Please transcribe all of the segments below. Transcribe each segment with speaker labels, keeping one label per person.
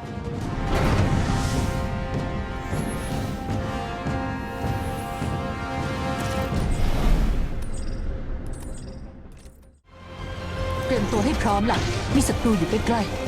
Speaker 1: เตรียมตัวให้พร้อมล่ะมีศัตรูอยู่ใกล้ๆ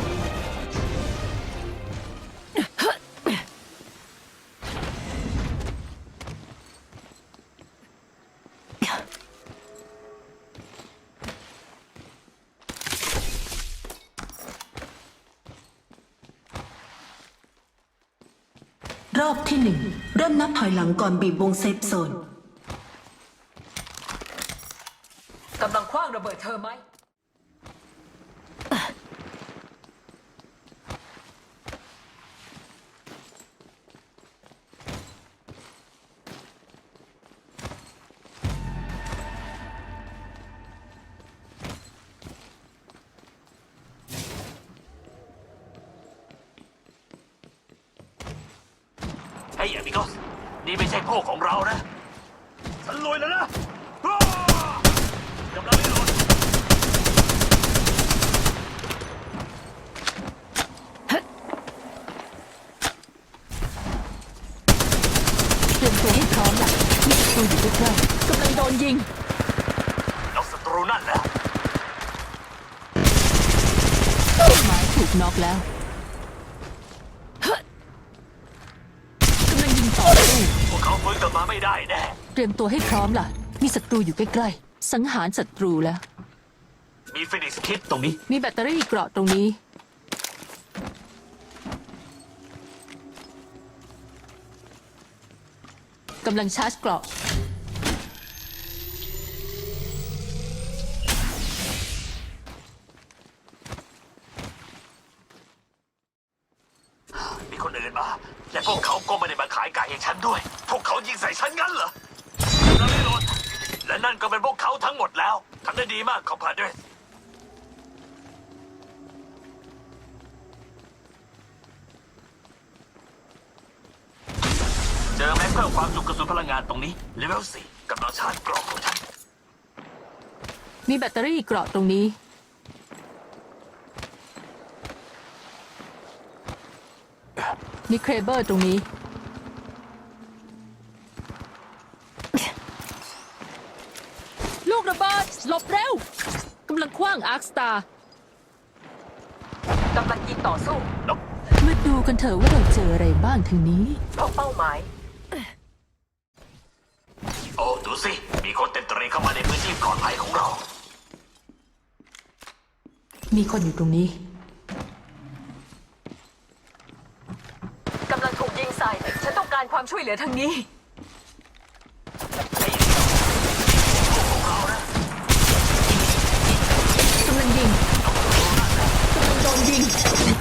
Speaker 2: รอบที่ 1เริ่มนับถอยหลังก่อนบีบวงเซฟโซน
Speaker 1: กำลังคว้างระเบิดเธอไหม
Speaker 3: เฮ้ยอมิโกสนี่ไม่ใช่พวกของเรานะฉันรวยแล้วนะกำลังไม่หลุด
Speaker 1: เตรียมตัวให้พร้อมล่ะมีศัตรูอยู่ใกล้ๆกำลังโดนยิง
Speaker 3: น็อกศัตรูนั่นแล้ว
Speaker 1: หมายถูกน็อกแล้วกำลังยิงต่อสู้
Speaker 3: พวกเขาฟื้นกลับมาไม่ได้แน่
Speaker 1: เตรียมตัวให้พร้อมล่ะมีศัตรูอยู่ใกล้ๆสังหารศัตรูแล้ว
Speaker 3: มีฟินิกส์คิดตรงนี้
Speaker 1: มีแบตเตอรี่เกราะตรงนี้กำลังชาร์จเกราะ
Speaker 3: มีคนอื่นมาและพวกเขาก็ไม่ได้มาขายไก่ให้ฉันด้วยพวกเขายิงใส่ฉันงั้นเหรอกำลังไม่หลุดและนั่นก็เป็นพวกเขาทั้งหมดแล้วทำได้ดีมากคอมพาเดรสเจอแม็กเพิ่มความจุกระสุนพลังงานตรงนี้เลเวล 4กำลังชาร์จกรอบของฉัน
Speaker 1: มีแบตเตอรี่เกราะตรงนี้มีเครเบอร์ตรงนี้ลูกระเบิดหลบเร็วกำลังคว้างอาร์คสตาร์กำลังยิงต่อสู้มาดูกันเถอะว่าเราเจออะไรบ้างทางนี้พบเป้าหมาย
Speaker 3: โอ้ดูสิมีคนเต็มตรีเข้ามาในพื้นที่ปลอดภัยของเรา
Speaker 1: มีคนอยู่ตรงนี้กำลังถูกยิงใส่ฉันต้องการความช่วยเหลือทางนี้กำลังยิงกำลังโดนยิง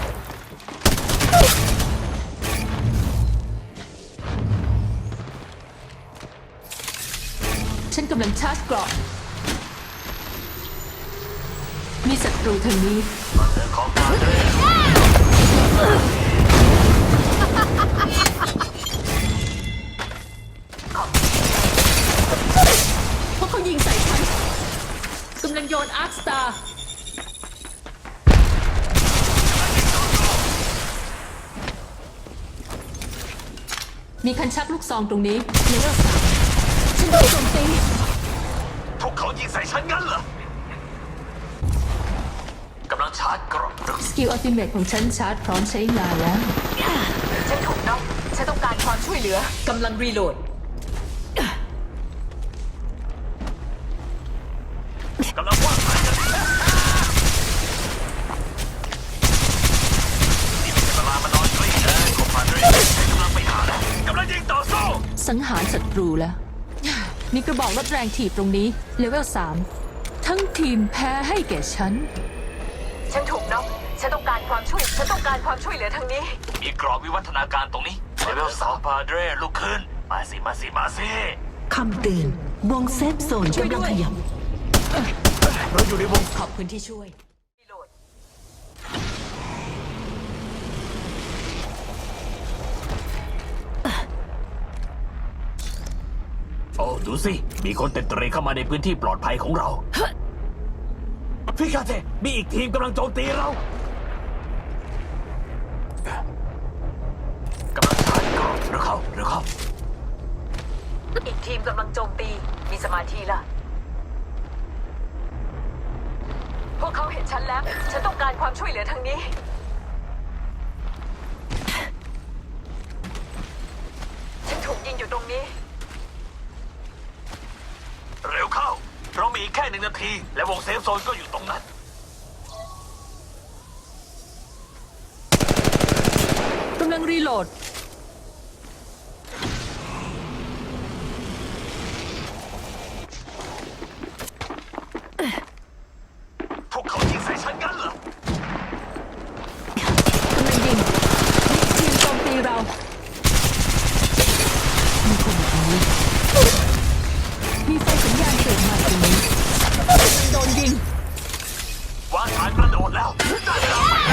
Speaker 1: ฉันกำลังชาร์จเกราะมีศัตรูทางนี้
Speaker 3: ของมาเลย
Speaker 1: เพราะเขายิงใส่ฉันกำลังโยนอาร์คสตาร์มีคันชักลูกซองตรงนี้เลเวล 3ฉันโดนโจมตี
Speaker 3: พวกเขายิงใส่ฉันงั้นเหรอ กำลังชาร์จกรอบ
Speaker 1: สกิลอัลติเมทของฉันชาร์จพร้อมใช้งานแล้วฉันถูกน็อกฉันต้องการความช่วยเหลือกำลังรีโหลด
Speaker 3: กำลังว่างสายกันนี่ไม่ใช่เวลามานอนกลิ้งนะคอมพาเดรสกำลังไปหาแล้วกำลังยิงต่อสู้
Speaker 1: สังหารศัตรูแล้วมีกระบอกลดแรงถีบตรงนี้เลเวล 3ทั้งทีมแพ้ให้แก่ฉันถูกน็อกฉันต้องการความช่วยเหลือทางนี้
Speaker 3: มีกรอบวิวัฒนาการตรงนี้เลเวล 3พาเดรสลุกขึ้นมาสิ
Speaker 2: คำเตือนวงเซฟโซนกำลังขยับ
Speaker 3: เราอยู่ในวง
Speaker 1: ขอบคุณที่ช่วย
Speaker 3: โอ้ดูสิมีคนเต็มตรีเข้ามาในพื้นที่ปลอดภัยของเราฟิกาเตมีอีกทีมกำลังโจมตีเราเข้า
Speaker 1: อีกทีมกำลังโจมตี มีสมาธิละพวกเขาเห็นฉันแล้ว ฉันต้องการความช่วยเหลือทางนี้ ฉันถูกยิงอยู่ตรงนี้
Speaker 3: เร็วเข้า เรามีอีกแค่1 นาที และวงเซฟโซนก็อยู่ตรงนั้น
Speaker 1: กำลังรีโหลด
Speaker 3: พวกเขายิงใส่ฉันงั้นเหรอ
Speaker 1: กำลังยิงมีทีมโจมตีเรา มีคนอยู่ตรงนี้ มีไฟสัญญาณเกิดมาตรงนี้กำลังโดนยิง
Speaker 3: วางฐานกระโดดแล้วได้เวลาไปแล้ว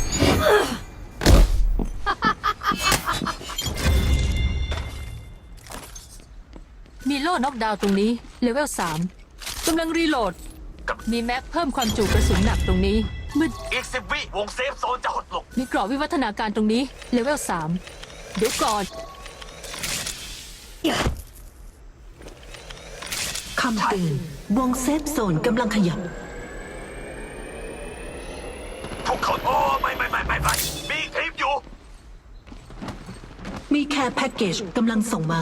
Speaker 1: มีโล่น็อกดาวน์ตรงนี้ เลเวล 3 กำลังรีโหลด มีแม็กเพิ่มความจุกระสุนหนักตรงนี้มืด
Speaker 3: อีก10 วิวงเซฟโซนจะหดลง
Speaker 1: มีกรอบวิวัฒนาการตรงนี้ เลเวล 3 เดี๋ยวก่อน
Speaker 2: คำเตือนวงเซฟโซนกำลังขยับ
Speaker 3: พวกเขาโอ้ไม่มีอีกทีมอยู่
Speaker 2: มีแคร์แพ็กเกจกำลังส่งมา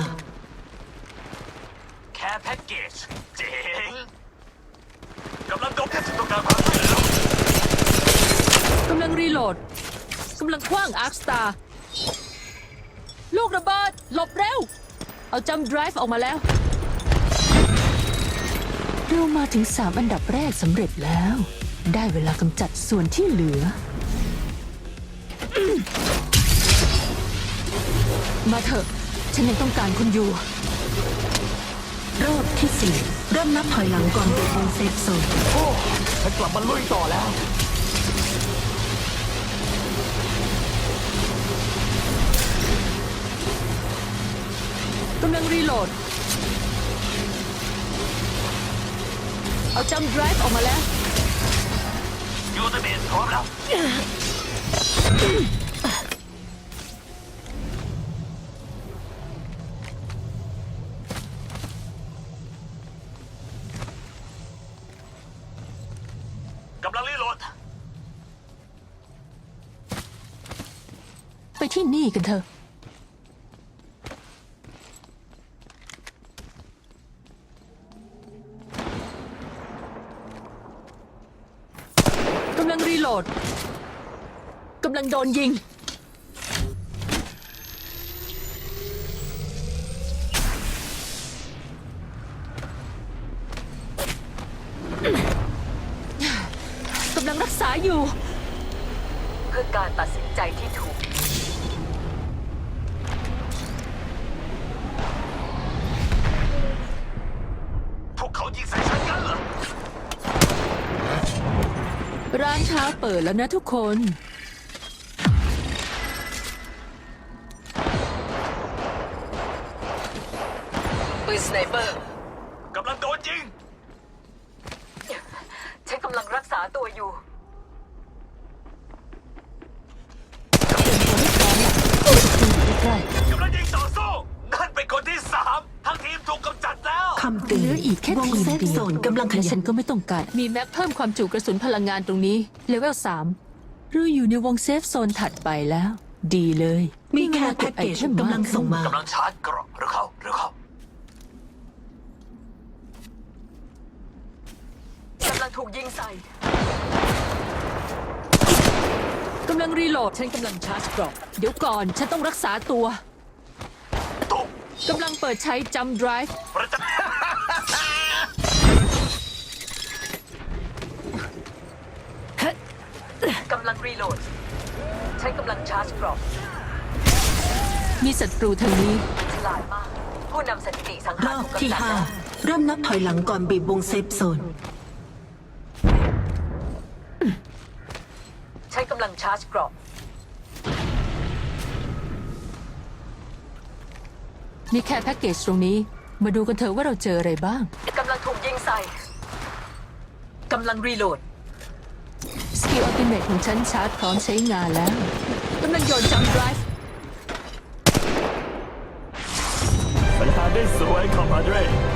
Speaker 3: แค่แพ็กเกจเจ๋งกำลังโดนแค่ฉันต้องการความช่วยเหลือก
Speaker 1: ำลังรีโหลด กำลังคว้างอาร์คสตาร์ลูกระเบิด หลบเร็ว เอาจัมป์ไดรฟ์ออกมาแล้ว เรามาถึง 3 อันดับแรกสำเร็จแล้ว ได้เวลากำจัดส่วนที่เหลือ มาเถอะ ฉันยังต้องการคุณอยู่
Speaker 2: รอบที่ 4 เริ่มนับถอยหลังก่อนบีบวงเซฟโซน
Speaker 3: โอ้ฉันกลับมาลุยต่อแล้ว
Speaker 1: กำลังรีโหลด เอาจัมป์ไดรฟ์ออกมาแล้ว
Speaker 3: ยูเตเมนพร้อมแล้ว กำลังรีโหลด
Speaker 1: ไปที่นี่กันเถอะ กำลังรีโหลด กำลังโดนยิง กำลังรักษาอยู่ เพื่อการตัดสินใจที่ถูก
Speaker 3: พวกเขายิงใส่ฉันงั้นเหรอ
Speaker 1: ร้านเช้าเปิดแล้วนะทุกคน ปืนสไนเปอร์
Speaker 3: กำลังโดนยิง
Speaker 1: ฉันกำลังรักษาตัวอยู่ใกล้
Speaker 3: กำลังยิงต่อสู้ นั่นเป็นคนที่ 3 ทั้งทีมถูกกำจัดแล้ว
Speaker 2: คำเตื
Speaker 1: เห
Speaker 2: อ
Speaker 1: ลื
Speaker 2: น
Speaker 1: ออีกแค่
Speaker 2: วง
Speaker 1: ทีม
Speaker 2: เซฟ
Speaker 1: เดีย
Speaker 2: โซ
Speaker 1: วน
Speaker 2: กำลังข
Speaker 1: และ
Speaker 2: ยั
Speaker 1: ฉั
Speaker 2: บ
Speaker 1: นก็ไม่ต้องการ มีแม็กเพิ่มความจุกระสุนพลังงานตรงนี้ เลเวล 3 เราอยู่ในวงเซฟโซนถัดไปแล้ว ดีเลย
Speaker 2: มีแคร์แพ็กเกจกำลังส่งมา
Speaker 3: กำลังชาร์จเกราะเร็วเข้า
Speaker 1: กำลังถูกยิงใส่ กำลังรีโหลด ฉันกำลังชาร์จเกราะเดี๋ยวก่อน ฉันต้องรักษาตัว
Speaker 3: ตุ๊บ
Speaker 1: กำลังเปิดใช้จัมป์ไดรฟ์
Speaker 3: ประจัก
Speaker 1: กำลังรีโหลด ฉันกำลังชาร์จเกราะมีศัตรูทางนี้ ฉลาดมาก ผู้นำสถิติสัง
Speaker 2: ร
Speaker 1: หาร
Speaker 2: อบ
Speaker 1: ถูก
Speaker 2: ที่
Speaker 1: กำจัดแล้ว
Speaker 2: 5 เริ่มนับถอยหลังก่อนบีบวงเซฟโซน
Speaker 1: ฉันกำลังชาร์จเกราะมีแค่แพ็กเกจตรงนี้ มาดูกันเถอะว่าเราเจออะไรบ้าง กำลังถูกยิงใส่ กำลังรีโหลด สกิลอัลติเมทของฉันชาร์จพร้อมใช้งานแล้ว กำลังโยนจัมป์ไดรฟ์
Speaker 3: คอมพาเดร